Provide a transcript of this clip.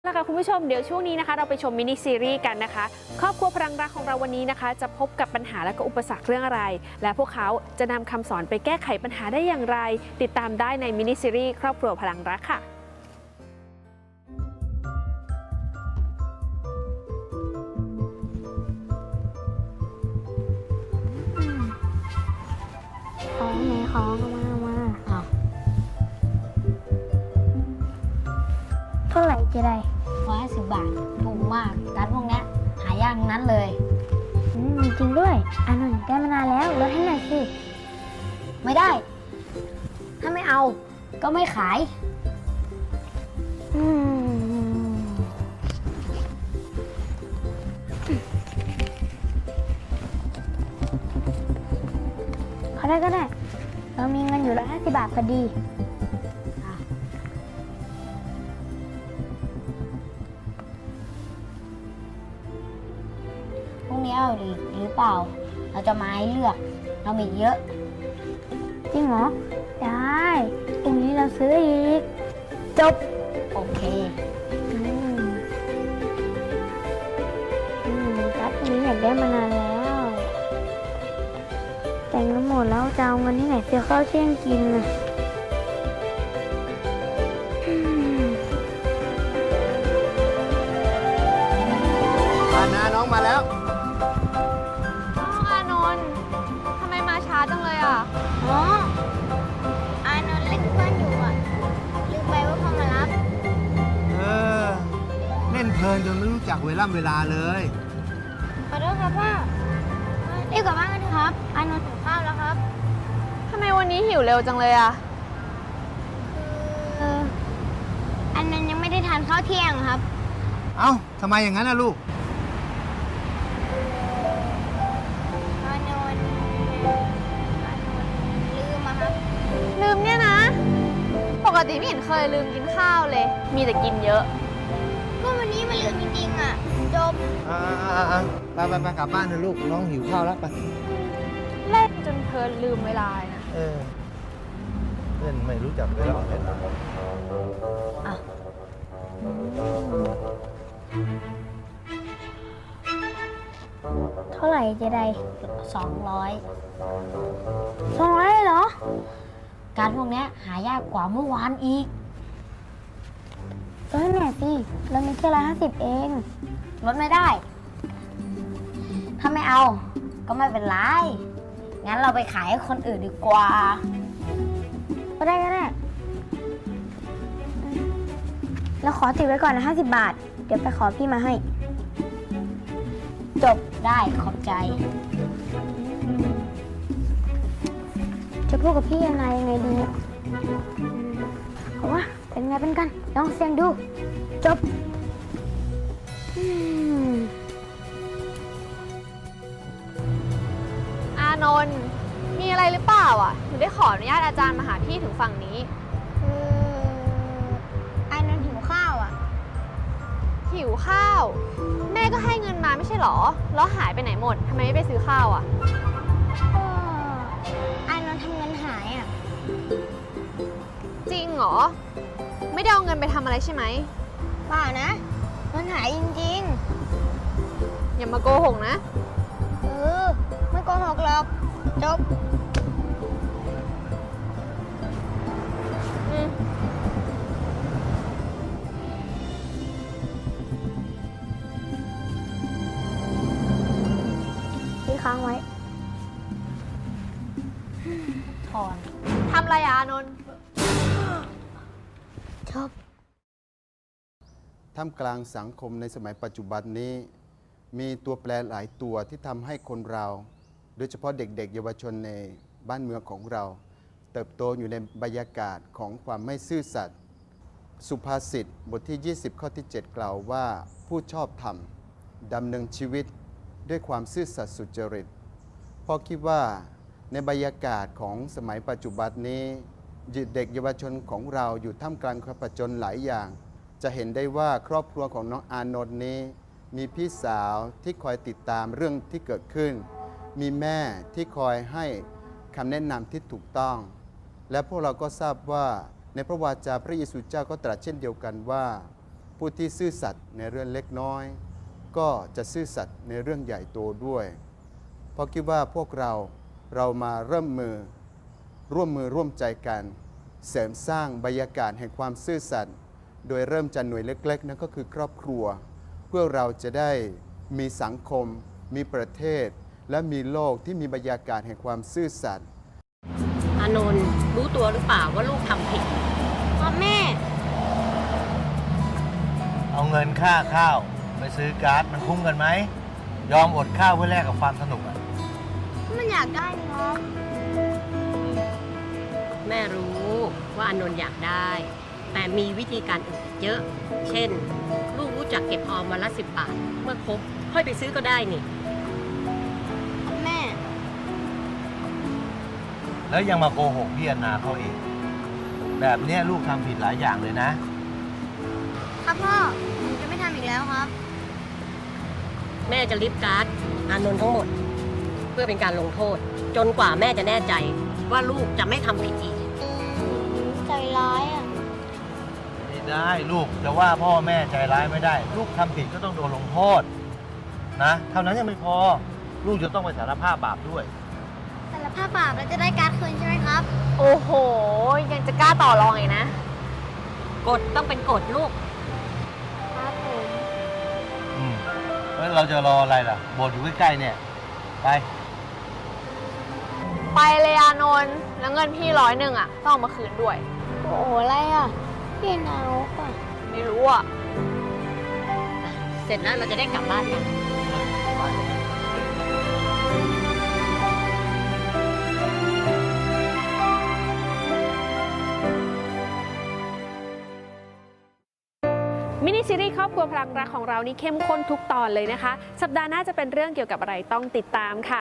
นะคะคุณผู้ชมเดี๋ยวช่วงนี้นะคะเราไปชมมินิซีรีส์กันนะคะครอบครัวพลังรักของเราวันนี้นะคะจะพบกับปัญหาและก็อุปสรรคเรื่องอะไรและพวกเขาจะนำคำสอนไปแก้ไขปัญหาได้อย่างไรติดตามได้ในมินิซีรีส์ครอบครัวพลังรักค่ะของไหนของมาเอาเท่าไหร่จะได้ 150 บาทถูกมากการพวกนี้หายากนั้นเลยจริงด้วยอานนท์ได้มานานแล้วลดให้หน่อยสิไม่ได้ ถ้าไม่เอาก็ไม่ขายอืมเขาได้ก็ได้ เรามีเงินอยู่150 บาทพอดีพรุ่งนี้เอาหรือเปล่า เราจะมาให้เลือก เรามีเยอะจริงเหรอ ได้พรุ่งนี้เราซื้ออีก จบโอเคครับพรุ่งนี้อยากได้มานานแล้ว แต่งเงินหมดแล้วจะเอาเงินที่ไหนซื้อข้าวเที่ยงกินน่ะน้องมาแล้วอานนท์ทำไมมาช้าจังเลยอ่ะอ๋ออานนท์เล่นเพื่อนอยู่อ่ะ ลืมไปว่าพ่อมารับเออ เล่นเพลินจนไม่รู้จักเวลาเลยขอโทษครับพ่อรีบกลับบ้านกันเถอะครับ อานนท์หิวข้าวแล้วครับทำไมวันนี้หิวเร็วจังเลยอ่ะอันนั้นยังไม่ได้ทานข้าวเที่ยงครับเอ้าทำไมอย่างนั้นนะลูกอานนท์ลืมอะครับลืมเนี่ยนะ ปกติไม่เห็นเคยลืมกินข้าวเลย มีแต่กินเยอะก็วันนี้มันลืมจริงๆอ่ะ จบไปกลับบ้านนะลูก น้องหิวข้าวแล้วไปเล่นจนเพลินลืมเวลานะเออ เล่นไม่รู้จักเวลาเล่นเท่าไหร่จะได้ 200 200เหรอการพวกนี้หายากกว่าเมื่อวานอีกลดให้หน่อยสิ เรามีแค่150เองลดไม่ได้ ถ้าไม่เอา ก็ไม่เป็นไร งั้นเราไปขายให้คนอื่นดีกว่าก็ได้ก็ได้เราขอติดไว้ก่อนนะ50 บาท เดี๋ยวไปขอพี่มาให้จบได้ขอบใจจะพูดกับพี่ยังไงดีเนี่ยเอาว่าเป็นไงเป็นกัน ลองเสี่ยงดู จบมอานนท์มีอะไรหรือเปล่าอ่ะถึงได้ขออนุญาตอาจารย์มาหาพี่ถึงฝั่งนี้ไอ้นนท์หิวข้าวอ่ะหิวข้าว แม่ก็ให้เงินมาไม่ใช่หรอ แล้วหายไปไหนหมดทำไมไม่ไปซื้อข้าวอ่ะก็ไอ้นนท์ทำเงินหายอ่ะจริงเหรอ ไม่ได้เอาเงินไปทำอะไรใช่ไหมเปล่านะเงินหายจริงอย่ามาโกหกนะๆ ไม่โกหกหรอก จบอืมพี่ค้างไว้ถอนทำอะไรอะอานนท์จบท่ามกลางสังคมในสมัยปัจจุบันนี้ มีตัวแปรหลายตัวที่ทำให้คนเรา โดยเฉพาะเด็กๆเยาวชนในบ้านเมืองของเรา เติบโตอยู่ในบรรยากาศของความไม่ซื่อสัตย์สุภาษิตบทที่ 20 ข้อที่ 7 กล่าวว่าผู้ชอบธรรมดำเนินชีวิตด้วยความซื่อสัตย์สุจริตพ่อคิดว่าในบรรยากาศของสมัยปัจจุบันนี้เด็กเยาวชนของเราอยู่ท่ามกลางความผจญหลายอย่าง จะเห็นได้ว่าครอบครัวของน้องอานนท์นี้มีพี่สาวที่คอยติดตามเรื่องที่เกิดขึ้น มีแม่ที่คอยให้คำแนะนำที่ถูกต้อง และพวกเราก็ทราบว่าในพระวาจาพระเยซูเจ้าก็ตรัสเช่นเดียวกันว่าผู้ที่ซื่อสัตย์ในเรื่องเล็กน้อย ก็จะซื่อสัตย์ในเรื่องใหญ่โตด้วย เพราะคิดว่าพวกเรามาร่วมมือร่วมใจกัน เสริมสร้างบรรยากาศแห่งความซื่อสัตย์โดยเริ่มจากหน่วยเล็กๆนั่นก็คือครอบครัว เพื่อเราจะได้มีสังคม มีประเทศ และมีโลกที่มีบรรยากาศแห่งความซื่อสัตย์อานนท์รู้ตัวหรือเปล่าว่าลูกทำผิดครับแม่เอาเงินค่าข้าวไปซื้อการ์ดมันคุ้มกันไหม ยอมอดข้าวเพื่อแลกกับความสนุกอ่ะมันอยากได้นี่ครับแม่รู้ว่าอานนท์อยากได้ แต่มีวิธีการอื่นอีกเยอะ เช่น ลูกรู้จักเก็บออมวันละ10 บาท เมื่อครบค่อยไปซื้อก็ได้นี่ครับแม่แล้วยังมาโกหกพี่อนาเขาเอง แบบเนี้ยลูกทำผิดหลายอย่างเลยนะครับพ่อผมจะไม่ทำอีกแล้วครับแม่จะลิฟต์การ์ดอานนท์ทั้งหมด เพื่อเป็นการลงโทษ จนกว่าแม่จะแน่ใจว่าลูกจะไม่ทำผิดอีกใจร้ายอ่ะไม่ได้ลูกจะว่าพ่อแม่ใจร้ายไม่ได้ ลูกทำผิดก็ต้องโดนลงโทษนะเท่านั้นยังไม่พอ ลูกจะต้องไปสารภาพบาปด้วยแต่ละผ้าบาปแล้วจะได้การ์ดคืนใช่ไหมครับโอ้โห ยังจะกล้าต่อรองอีกนะกฎต้องเป็นกฎลูกครับผมแล้วเราจะรออะไรล่ะโบสถ์อยู่ใกล้ๆเนี่ย ไปไปเลยอานนท์แล้วเงินพี่100อ่ะ ต้องเอามาคืนด้วยโอ้โหอะไรอ่ะ พี่นาวอ่ะไม่รู้อ่ะเสร็จแล้วเราจะได้กลับบ้านกันมินิซีรีส์ครอบครัวพลังรักของเรานี่เข้มข้นทุกตอนเลยนะคะ สัปดาห์หน้าจะเป็นเรื่องเกี่ยวกับอะไรต้องติดตามค่ะ